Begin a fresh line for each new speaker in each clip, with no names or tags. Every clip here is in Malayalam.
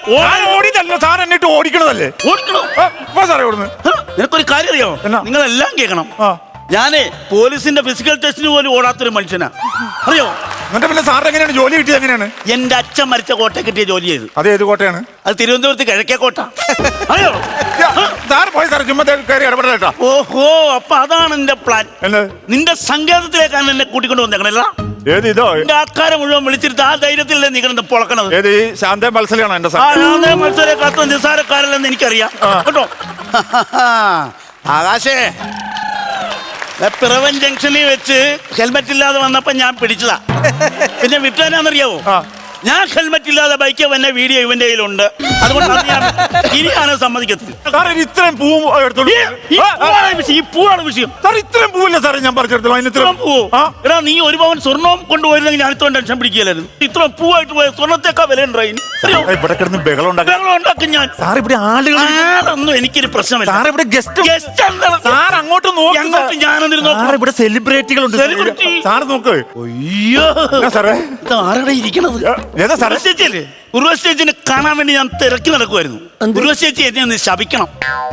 ഓടിയതല്ലോ സാർ, എന്നിട്ട് ഓടിക്കണതല്ലേ?
ഓടിക്കണോ
സാറേ ഓടുന്നു.
നിനക്കൊരു കാര്യം അറിയോ? നിങ്ങളെല്ലാം കേൾക്കണം. ഞാനേ പോലീസിന്റെ ഫിസിക്കൽ ടെസ്റ്റിന് പോലും ഓടാത്തൊരു മനുഷ്യനാ, അറിയോ?
എന്നിട്ട് പിന്നെ സാറിന് എങ്ങനെയാണ് ജോലി കിട്ടിയത്? എങ്ങനെയാണ്?
എന്റെ അച്ഛൻ മരിച്ച കോട്ട കിട്ടിയ ജോലി ചെയ്തു.
അത് ഏത് കോട്ടയാണ്?
അത് തിരുവനന്തപുരത്ത് കിഴക്കേ കോട്ട, അറിയോ?
സാർ പോയി സാർ, ചുമ്മാ കയറി ഇടപെടേട്ടാ.
ഓഹോ, അപ്പൊ അതാണ് നിന്റെ പ്ലാൻ. നിന്റെ സങ്കേതത്തിലേക്കാണ് എന്നെ കൂട്ടിക്കൊണ്ട് വന്നേക്കണല്ല.
ഏത് ഇതോ?
എന്റെ ആൾക്കാരെ മുഴുവൻ വിളിച്ചിട്ട് ആ ധൈര്യത്തിലല്ലേ നീ കിടന്ന് പൊളക്കണത്?
ഏത് ഈ ശാന്ത മത്സരമാണോ? എന്റെ
ശാന്ത മത്സരക്കാത്ത നിസാരക്കാരല്ലെന്ന് എനിക്കറിയാം കേട്ടോ. ആകാശേ, പിറവൻ ജംഗ്ഷനിൽ വെച്ച് ഹെൽമെറ്റ് ഇല്ലാതെ വന്നപ്പോ ഞാൻ പിടിച്ചതാ. പിന്നെ വിട്ടാനാന്നറിയാവോ? ഞാൻ ഹെൽമെറ്റ് ഇല്ലാതെ ബൈക്ക് വന്ന വീഡിയോ ഇവന്റെ കയ്യിലുണ്ട്. അതുകൊണ്ടാണ് ഞാൻ ഇനിയാണ് സമ്മതിക്കത്തില്ല.
ഇത്രയും പൂവും
ഈ പൂവാണ് വിഷയം.
ഇത്രയും പൂവല്ല സാറേ ഞാൻ പറിച്ചെടുത്തല്ലോ.
എടാ, നീ ഒരു പവൻ സ്വർണ്ണവും കൊണ്ടുപോയിരുന്നെങ്കിൽ ഞാൻ ഇത്രയും ടെൻഷൻ പിടിക്കില്ലായിരുന്നു. ഇത്ര പൂവായിട്ട് പോയ സ്വർണ്ണത്തേക്കാ വില ഉണ്ടായി.
ഇവിടെ കിടന്ന് ബഹളം
ഉണ്ടാക്കും ഞാൻ.
സാർ ഇവിടെ ആളുകളൊന്നും
എനിക്കൊരു പ്രശ്നമില്ല.
സാർ ഇവിടെ ഗസ്റ്റ് സാർ അങ്ങോട്ട് നോക്കി.
ഞാനെന്തിനു നോക്കാം?
ഇവിടെ സെലിബ്രിറ്റികളുണ്ട്. സാർ നോക്ക്.
അയ്യോ
സാറേ,
ആരുടെ ഇരിക്കണത്?
ഏതാ സാറേ?
സ്റ്റേജില്ലേ? ഉർവശേച്ചിനെ കാണാൻ വേണ്ടി ഞാൻ തിരക്കി നടക്കുമായിരുന്നു. ഉർവശേച്ചി എന്നെ ഒന്ന് ശപിക്കണം.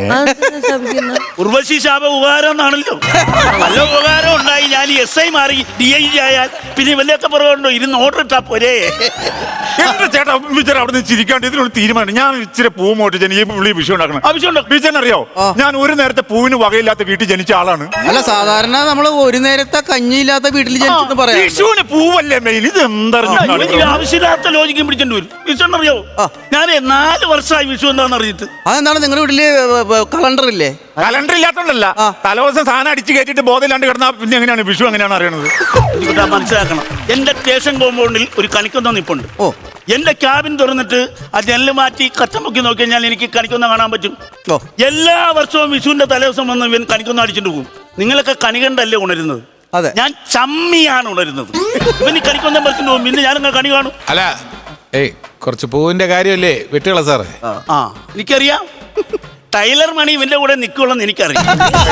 ഉർവശി ശാപ ഉപകാരം എന്നാണല്ലോ. നല്ല ഉപകാരം ഉണ്ടായി. ഞാൻ SI മാറി DIG ആയാൽ പിന്നെ വലിയൊക്കെ പറയുന്നുണ്ടോ? ഇരുന്ന് ഓർഡർ ഇട്ടാ പോരേ.
എന്റെ ചേട്ടാ വിചാരം അവിടെ നിന്ന് ചിരിക്കാണ്ട് ഇതിനൊരു തീരുമാനം. ഞാൻ ഇച്ചിരി പൂ മോട്ട് ഈ പുള്ളി വിഷയം ഉണ്ടാക്കണം. വിജയൻ അറിയോ, ഞാൻ ഒരു നേരത്തെ പൂവിന് വകയില്ലാത്ത വീട്ടിൽ ജനിച്ച ആളാണ്.
അല്ല, സാധാരണ നമ്മൾ ഒരു നേരത്തെ കഞ്ഞിയില്ലാത്ത വീട്ടിൽ ജനിച്ചെന്ന് പറയാം.
വിഷുവിന് പൂവല്ലേ മെയിൻ. ഇത് എന്താ
ആവശ്യമില്ലാത്ത ലോജിക്കും പിടിച്ചോണ്ട് വരും. വിഷു അറിയോ? ഞാൻ 4 വർഷമായി വിഷു എന്താണെന്ന് അറിഞ്ഞിട്ട്.
അതെന്താണ് നിങ്ങളുടെ വീട്ടില് കലണ്ടർ ഇല്ലേ?
കലണ്ടർ ഇല്ലാത്തോണ്ടല്ല, തലേദിവസം സാധനം അടിച്ചു കയറ്റിട്ട് ബോധമില്ലാണ്ട് കിടന്നാ പിന്നെ എങ്ങനെയാണ് വിഷു എങ്ങനെയാണ് അറിയണത്?
മനസ്സിലാക്കണം. എന്റെ സ്റ്റേഷൻ കോമ്പൗണ്ടിൽ ഒരു കണിക്കൊന്ന നിപ്പുണ്ട്. എന്റെ ക്യാബിൻ തുറന്നിട്ട് ആ ജനല് മാറ്റി കച്ചമുക്കി നോക്കി കഴിഞ്ഞാൽ എനിക്ക് കണിക്കൊന്ന കാണാൻ പറ്റും. എല്ലാ വർഷവും വിഷുവിന്റെ തലേദിവസം വന്ന് ഇവൻ കണിക്കൊന്ന അടിച്ചിട്ട് പോകും. നിങ്ങളൊക്കെ കണി കണ്ടല്ലേ ഉണരുന്നത്? ഞാൻ ചമ്മിയാണ് ഉണരുന്നത്. ഇവന് കണിക്കൊന്ന പറിച്ചിട്ട് പോകും. പിന്നെ ഞാനിങ്ങനെ കണി കാണും.
അല്ല, കുറച്ച് പൂവിന്റെ കാര്യമല്ലേ വിട്ടുകള സാറേ?
എനിക്കറിയാം. ടൈലർ മണി ഇവന്റെ കൂടെ നിൽക്കുള്ളെന്ന് എനിക്കറിയാം.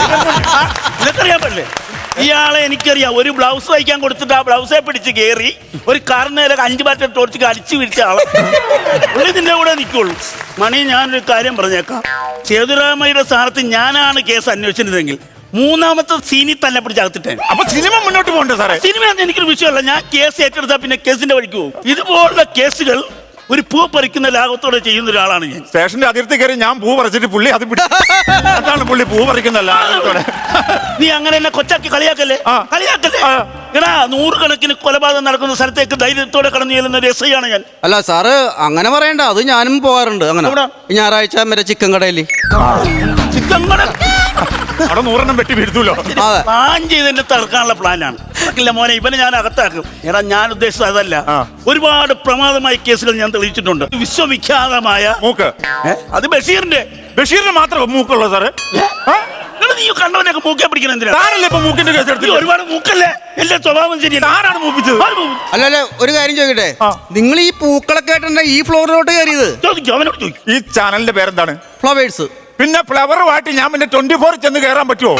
നിനക്കറിയാൻ പറ്റില്ലേ? ഇയാളെ എനിക്കറിയാം. ഒരു ബ്ലൗസ് തയ്ക്കാൻ കൊടുത്തിട്ട് ആ ബ്ലൗസെ പിടിച്ച് കയറി ഒരു കാറിനേരെ 5 ബാറ്റർ ടോർച്ച് അടിച്ചു പിടിച്ച ആളെ നിന്റെ കൂടെ നിൽക്കുള്ളൂ. മണി, ഞാനൊരു കാര്യം പറഞ്ഞേക്കാം. സേതുരാമയ്യയുടെ സ്ഥാനത്ത് ഞാനാണ് കേസ് അന്വേഷിച്ചിരുന്നെങ്കിൽ 3ാമത്തെ സീനിൽ തന്നെ പിടിച്ചകത്തിട്ടേ.
അപ്പൊ സിനിമ മുന്നോട്ട് പോകണ്ടേ സാറേ?
സിനിമ എനിക്കൊരു വിഷയമല്ല. ഞാൻ കേസ് ഏറ്റെടുത്താൽ പിന്നെ കേസിന്റെ വഴിക്ക് പോകും. ഇതുപോലുള്ള കേസുകൾ ഒരു പൂ പറിക്കുന്ന ലാഘവത്തോടെ ചെയ്യുന്ന ഒരാളാണ് ഞാൻ.
സ്റ്റേഷന്റെ അതിർത്തി കയറി ഞാൻ പൂ പറിച്ചിട്ട് പുള്ളി അത് അതാണ് പുള്ളി പൂ പറിക്കുന്ന ലാഘവത്തോടെ.
നീ അങ്ങനെ എന്നെ കൊച്ചാക്കി കളിയാക്കല്ലേ. എടാ, 100 കണക്കിന് കൊലപാതകം നടക്കുന്ന സ്ഥലത്തേക്ക് ധൈര്യത്തോടെ കടന്നു ചെല്ലുന്ന ഒരു SI ആണ് ഞാൻ.
അല്ല സാറ് അങ്ങനെ പറയണ്ട. അത് ഞാനും പോകാറുണ്ട്. അങ്ങനെ ഞായറാഴ്ച വരെ ചിക്കൻ കടയിൽ.
ചിക്കൻ കട
അവിടെ 100 വെട്ടി വീഴ്ത്തൂലോ.
പ്ലാൻ ചെയ്തെന്നെ തടുക്കാനുള്ള പ്ലാനാണ്. മോനെ, ഇവനെ ഞാൻ അകത്താക്കും. എടാ, ഞാൻ ഉദ്ദേശിച്ചത് അതല്ല. ഒരുപാട് പ്രമാദമായ കേസുകൾ ഞാൻ തെളിയിച്ചിട്ടുണ്ട്. വിശ്വവിഖ്യാതമായ
മൂക്ക്.
അത് ബഷീറിന്റെ
മാത്രം മൂക്കുള്ള സാറേ?
നീ കണ്ടവനൊക്കെ മൂക്കെ പിടിക്കണം.
എന്തിനാണല്ലേ ഇപ്പൊ മൂക്കിന്റെ കേസ് എടുത്ത്?
ഒരുപാട് മൂക്കല്ലേ? എന്റെ സ്വഭാവം ശരിയല്ല.
ആരാണ് മൂപ്പിച്ചത്?
അല്ലല്ല, ഒരു കാര്യം ചോദിക്കട്ടെ, നിങ്ങൾ ഈ പൂക്കളൊക്കെ ആയിട്ടുണ്ട് ഈ ഫ്ലോറിലോട്ട് കയറിയത്?
ഈ ചാനലിന്റെ പേരെന്താണ്?
ഫ്ലവേഴ്സ്.
പിന്നെ ഫ്ലവറുമായിട്ട് ഞാൻ പിന്നെ 24 ചെന്ന് കയറാൻ പറ്റുമോ?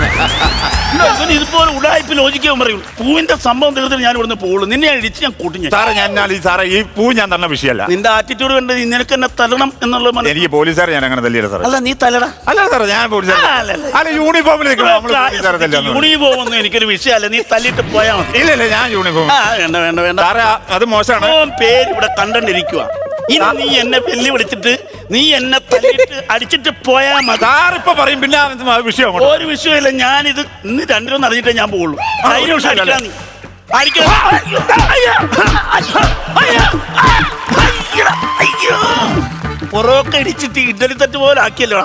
ഇതുപോലെ ഉടായ്പ ലോജിക്കാൻ പറയൂ. പൂവിന്റെ സംഭവം തീർത്തിട്ട് ഞാൻ ഇവിടുന്ന് പോകുള്ളൂ. നിന്നെ ഇടിച്ച് ഞാൻ കൂട്ടിഞ്ഞു.
സാറേ, ഈ പൂ ഞാൻ തന്ന വിഷയമല്ല.
നിന്റെ ആറ്റിറ്റ്യൂഡ് കണ്ട് നിനക്ക് എന്നെ തല്ലണം എന്നുള്ള.
എനിക്ക് പോലീസുകാരെ ഞാൻ അങ്ങനെ തല്ലിയില്ല സാറേ.
അല്ല, നീ തല്ലടാ.
അല്ല സാറേ, ഞാൻ യൂണിഫോമിൽ
യൂണിഫോം ഒന്നും എനിക്കൊരു വിഷയമല്ല. നീ തല്ലിട്ട് പോയാൽ മതി.
ഇല്ല, ഞാൻ യൂണിഫോം.
വേണ്ട
സാറേ, അത് മോശമാണ്.
പേര് ഇവിടെ കണ്ടിരിക്കുക. ഇനി നീ എന്നെ വെല്ലു വിളിച്ചിട്ട് നീ എന്നെ തല്ലിട്ട് അടിച്ചിട്ട് പോയാൽ മതി.
ഇപ്പൊ പറയും പിന്നെ വിഷയം.
ഒരു വിഷയമില്ല. ഞാനിത് ഇന്ന് 2 അറിഞ്ഞിട്ടേ ഞാൻ പോകുള്ളൂ. പൊറോക്കെ ഇടിച്ചിട്ട് ഇഡലി തട്ട് പോലെ ആക്കിയല്ലോ.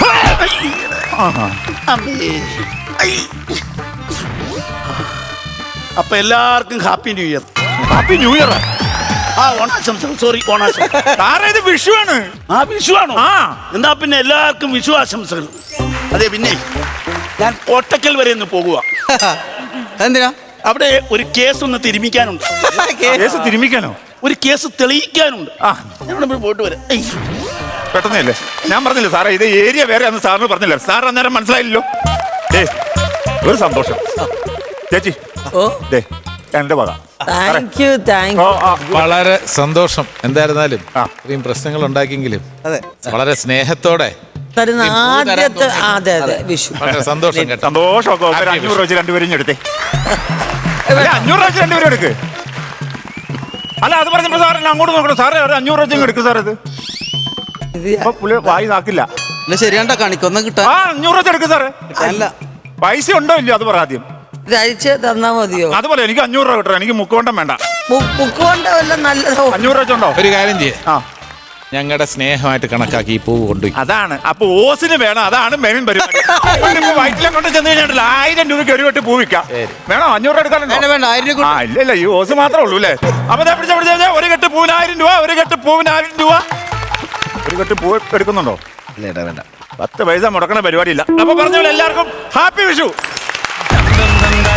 അപ്പൊ എല്ലാവർക്കും happy new year.
Happy new year.
Sorry,
ഇത് വിഷുവാണ്.
വിഷുവാണോ? എന്താ പിന്നെ എല്ലാവർക്കും വിഷു ആശംസകൾ. അതെ, പിന്നെ ഞാൻ കോട്ടക്കൽ വരെ ഒന്ന് പോകുക.
എന്തിനാ?
അവിടെ ഒരു കേസ് ഒന്ന് തിരുമിക്കാനുണ്ട്.
കേസ് തിരുമിക്കാനോ?
ഒരു കേസ് തെളിയിക്കാനുണ്ട്. ഞാൻ പോയിട്ട് വരാം.
പെട്ടെന്നല്ലേ ഞാൻ പറഞ്ഞില്ല സാറേ, ഇത് ഏരിയ വേറെ അന്ന് സാറിന് പറഞ്ഞില്ല. സാർ അന്നേരം മനസ്സിലായില്ലോ. ഒരു സന്തോഷം ചേച്ചി. എന്റെ വക
thank you thank
oh,
you.
ആ.
വളരെ സന്തോഷം. എന്തായിരുന്നാലും
ആ.
ഇത്രയും പ്രശ്നങ്ങൾ ഉണ്ടാക്കിയെങ്കിലും
അതെ
വളരെ സ്നേഹത്തോടെ
തരുന്ന ആദ്യത്തെ അതെ അതെ വിഷു
വളരെ സന്തോഷം കേട്ടോ.
സന്തോഷമൊക്കെ ഒരു 500 രൂപ വെച്ച് രണ്ടുപേരും എടുത്തേ 500 രൂപ വെച്ച് രണ്ടുപേരും എടുക്ക്. അല്ല അത് പറഞ്ഞപ്പോ സാർ എന്നെ അങ്ങോട്ട് നോക്കണം സാറേ ഒരു 500 രൂപ എടുക്കും സാർ ഇത്
ഇത്
അപ്പൊ പുള്ളി വായി നാക്കില്ല.
ഇല്ല ശരിയാണ്ട കാണിക്കൊന്നും കിട്ടാൻ
ആ 500 രൂപ എടുക്കും സാറേ.
അല്ല
പൈസ ഉണ്ടോ ഇല്ലയോ അത് പറ ആദ്യം.
ഇത് അഴിച്ച് തന്നാ മതിയോ?
അതുപോലെ എനിക്ക് 500 രൂപ കിട്ടണം. എനിക്ക് മുക്കുകൊണ്ടം വേണ്ട.
ബുക്ക് കൊണ്ട് വല്ല നല്ലതോ
500 രൂപ വെച്ചുണ്ടോ?
ഒരു കാര്യം ചെയ്യേ,
ആ
ഞങ്ങളുടെ സ്നേഹമായിട്ട് കണക്കാക്കി ഈ പൂവ് കൊണ്ടുപോയി.
അതാണ് അപ്പൊ ഓസിന് വേണം. അതാണ് മെയിൻ പരിപാടി. വയറ്റിലെ കൊണ്ട് ചെന്ന് കഴിഞ്ഞാൽ 1000 രൂപയ്ക്ക് ഒരു വെട്ട് പൂ വിൽക്കാം. വേണോ 500 രൂപ എടുക്കാനുണ്ടോ?
വേണ്ട വേണ്ട 1000 രൂപ
ആ ഇല്ല ഈ ഓസ് മാത്രമേ ഉള്ളൂ അല്ലേ? അപ്പൊ ദേ പിടിച്ച ഒരു കെട്ട് പൂവിന് 1000 രൂപ. ഒരു കെട്ട് പൂവിന് 1000 രൂപ. ഒരു കെട്ട് പൂ എടുക്കുന്നുണ്ടോ?
വേണ്ട
10 പൈസ മുടക്കണ പരിപാടിയില്ല. അപ്പൊ പറഞ്ഞ പോലെ എല്ലാവർക്കും ഹാപ്പി വിഷു.